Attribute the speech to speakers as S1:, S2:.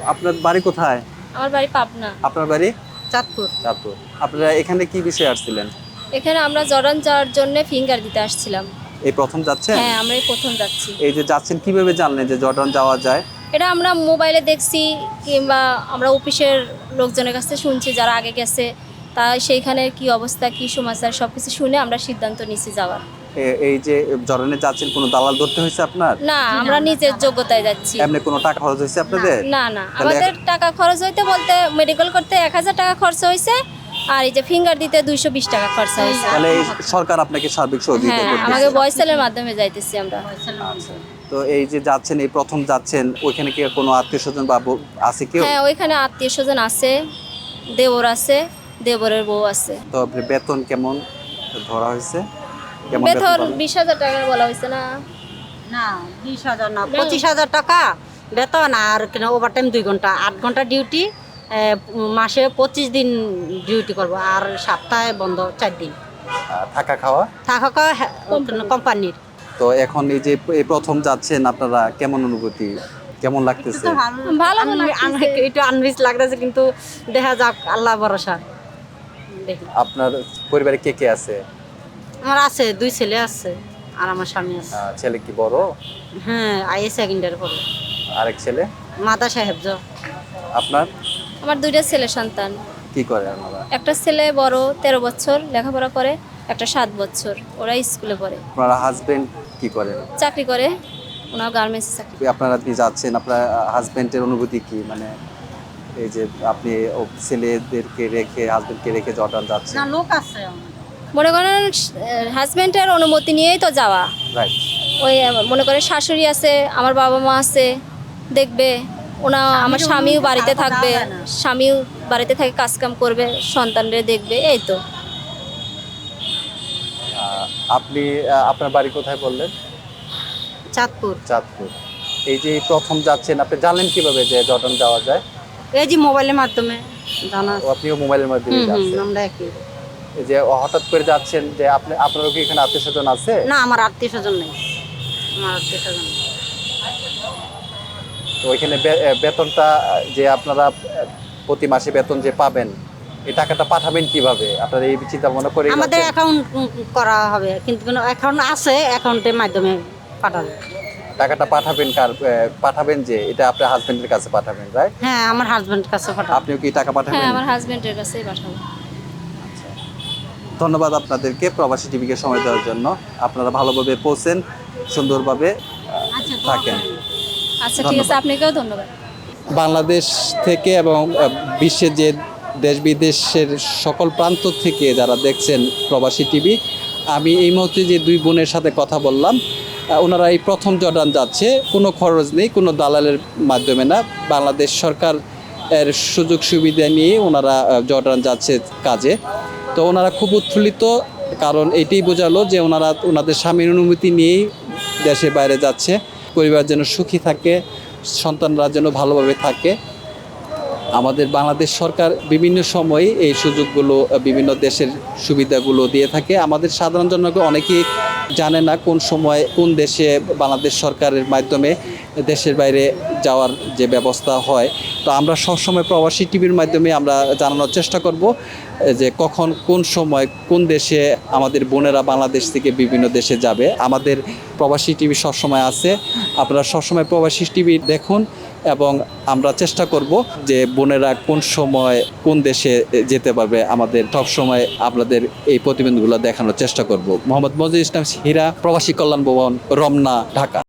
S1: আপনার বাড়ি কোথায়?
S2: আমার বাড়ি পাবনা।
S1: আপনার বাড়ি?
S2: চাঁদপুর।
S1: চাঁদপুর। আপনারা এখানে কি বিষয়ে আসছিলেন?
S2: এখানে আমরা জর্ডান যাওয়ার জন্য ফিঙ্গার দিতে আসছিলাম।
S1: এই প্রথম যাচ্ছেন?
S2: হ্যাঁ, আমরা এই প্রথম যাচ্ছি।
S1: এই যে যাচ্ছেন কিভাবে জানলেন যে জর্ডান যাওয়া যায়?
S2: এটা আমরা মোবাইলে দেখছি কিংবা আমরা অফিসের লোকজনের কাছ থেকে শুনছি যারা আগে গেছে, তা সেইখানে কি অবস্থা কি সমাচার সবকিছু শুনে আমরা সিদ্ধান্ত নিছি যাওয়ার।
S1: এই যে জর্ডানে যাচ্ছেন কোনো দালাল ধরতে হয়েছে আপনার?
S2: না, আমরা নিজের যোগ্যতায় যাচ্ছি।
S1: এমনি কোনো টাকা খরচ হয়েছে আপনাদের?
S2: না না,
S1: তাহলে
S2: আমাদের টাকা খরচ হইতে বলতে মেডিকেল করতে 1000 টাকা খরচ হয়েছে, আর এই যে ফিঙ্গার দিতে 220 টাকা খরচ হয়েছে।
S1: তাহলে এই সরকার আপনাকে সার্বিক সহযোগিতা
S2: হ্যাঁ,
S1: করতেছে?
S2: আমাকে বয়সেলের মাধ্যমে যাইতেছি আমরা।
S1: তো এই যে যাচ্ছেন এই প্রথম যাচ্ছেন, ওইখানে কি কোনো আত্মীয় স্বজন বা আছে কেউ?
S2: হ্যাঁ, ওইখানে আত্মীয় স্বজন আছে, দেবর আছে, দেবরের বউ আছে।
S1: তো আপনার বেতন কেমন ধরা হয়েছে? কেমন
S2: বেতন
S1: পাবেন?
S2: 20,000 টাকা বলা হয়েছে না?
S3: না 20,000 না 25,000 টাকা বেতন, আর ওভারটাইম 2 ঘন্টা, 8 ঘন্টা ডিউটি, মাসে 25 দিন ডিউটি করব, আর সপ্তাহে বন্ধ 4 দিন।
S1: থাকা খাওয়া?
S3: থাকা কোম্পানির।
S1: তো এখন এই যে এই প্রথম যাচ্ছেন আপনারা, কেমন অনুভূতি, কেমন লাগতেছে?
S2: ভালো লাগতেছে।
S3: একটু আনভিজ লাগতেছে, কিন্তু দেখা যাক, আল্লাহ ভরসা। দেখি
S1: আপনার পরিবারে কে কে আছে?
S3: আমার আছে 2 ছেলে আছে, আর আমার স্বামী আছে।
S1: ছেলে কি বড়?
S3: হ্যাঁ, আইএ সেকেন্ডারি পড়ে,
S1: আরেক ছেলে?
S3: মাদা সাহেব।
S1: আপনার
S2: আমার 2টা ছেলে সন্তান।
S1: কি করে আপনারা?
S2: একটা ছেলে বড় 13 বছর লেখাপড়া করে, একটা 7 বছর, ওরা স্কুলে পড়ে।
S1: আপনারা হাজবেন্ড কি করেন?
S2: চাকরি করে, ওনার গার্মেন্টসে চাকরি।
S1: আপনারা কি যাচ্ছেন, আপনার হাজবেন্ডের অনুভূতি কি? মানে এই যে আপনি ছেলেদেরকে রেখে হাজবেন্ডকে রেখে জর্ডান যাচ্ছেন,
S3: না, লোক আছে।
S2: মনে করেন হাজব্যান্ডের অনুমতি নিয়েই তো যাওয়া।
S1: রাইট?
S2: ওই মনে করে শাশুড়ি আছে, আমার বাবা মা আছে, দেখবে ওনা, আমার স্বামীও বাড়িতে থাকবে, স্বামীও বাড়িতে থেকে কাজকাম করবে, সন্তানদের দেখবে, এই তো।
S1: আপনি আপনার বাড়ি কোথায় বললেন?
S3: চাঁদপুর।
S1: চাঁদপুর। এই যে প্রথম যাচ্ছেন, আপনি জানলেন কিভাবে যে জর্ডান যাওয়া যায়?
S3: এই যে মোবাইলের মাধ্যমে জানা।
S1: আপনিও মোবাইলের মাধ্যমে যাচ্ছেন?
S3: আমরা একই।
S1: এই যে হঠাৎ করে যাচ্ছেন, যে আপনারও কি এখানে আত্মীয় স্বজন আছে?
S3: না, আমার আত্মীয় স্বজন নেই, আমার আত্মীয় স্বজন নেই।
S1: তো ওইখানে বেতনটা যে আপনারা প্রতি মাসে বেতন যে পাবেন, এই টাকাটা পাঠাবেন কিভাবে? আপনারা এই চিন্তা ভাবনা করে
S3: আমাদের অ্যাকাউন্ট করা হবে, কিন্তু অ্যাকাউন্ট আছে, অ্যাকাউন্টের মাধ্যমে পাঠাবে।
S1: টাকাটা পাঠাবেন পাঠাবেন যে এটা আপনার হাজবেন্ডের কাছে পাঠাবেন, রাইট?
S3: হ্যাঁ, আমার হাজবেন্ডের কাছে পাঠাবে।
S1: আপনিও কি টাকা পাঠাবেন?
S2: হ্যাঁ, আমার হাজব্যান্ডের কাছেই পাঠাবো।
S1: ধন্যবাদ আপনাদেরকে প্রবাসী টিভিকে সময় দেওয়ার জন্য। আপনারা ভালোভাবে পৌঁছেন, সুন্দরভাবে থাকেন।
S2: আচ্ছা, ঠিক আছে, আপনাকেও ধন্যবাদ।
S1: বাংলাদেশ থেকে এবং বিশ্বের যে দেশ বিদেশের সকল প্রান্ত থেকে যারা দেখছেন প্রবাসী টিভি, আমি এই মুহূর্তে যে 2 বোনের সাথে কথা বললাম, ওনারা এই প্রথম জর্ডান যাচ্ছে, কোনো খরচ নেই, কোনো দালালের মাধ্যমে না, বাংলাদেশ সরকার এর সুযোগ সুবিধা নিয়ে ওনারা জর্ডান যাচ্ছে কাজে। তো ওনারা খুব উৎফুল্লিত, কারণ এটাই বোঝালো যে ওনাদের স্বামীর অনুমতি নিয়েই দেশে বাইরে যাচ্ছে, পরিবার যেন সুখী থাকে, সন্তানরা যেন ভালোভাবে থাকে। আমাদের বাংলাদেশ সরকার বিভিন্ন সময়ে এই সুযোগগুলো, বিভিন্ন দেশের সুবিধাগুলো দিয়ে থাকে। আমাদের সাধারণ জনগণ অনেকেই জানে না কোন সময় কোন দেশে বাংলাদেশ সরকারের মাধ্যমে দেশের বাইরে যাওয়ার যে ব্যবস্থা হয়। তো আমরা সবসময় প্রবাসী টিভির মাধ্যমে আমরা জানানোর চেষ্টা করব যে কখন কোন সময় কোন দেশে আমাদের বোনেরা বাংলাদেশ থেকে বিভিন্ন দেশে যাবে। আমাদের প্রবাসী টিভি সবসময় আছে, আপনারা সবসময় প্রবাসী টিভি দেখুন, এবং আমরা চেষ্টা করব যে বোনেরা কোন সময় কোন দেশে যেতে পারবে, আমাদের সব সময় আপনাদের এই প্রতিবেদনগুলো দেখানোর চেষ্টা করব। মোহাম্মদ মজিদ ইসলাম হীরা, প্রবাসী কল্যাণ ভবন, রমনা, ঢাকা।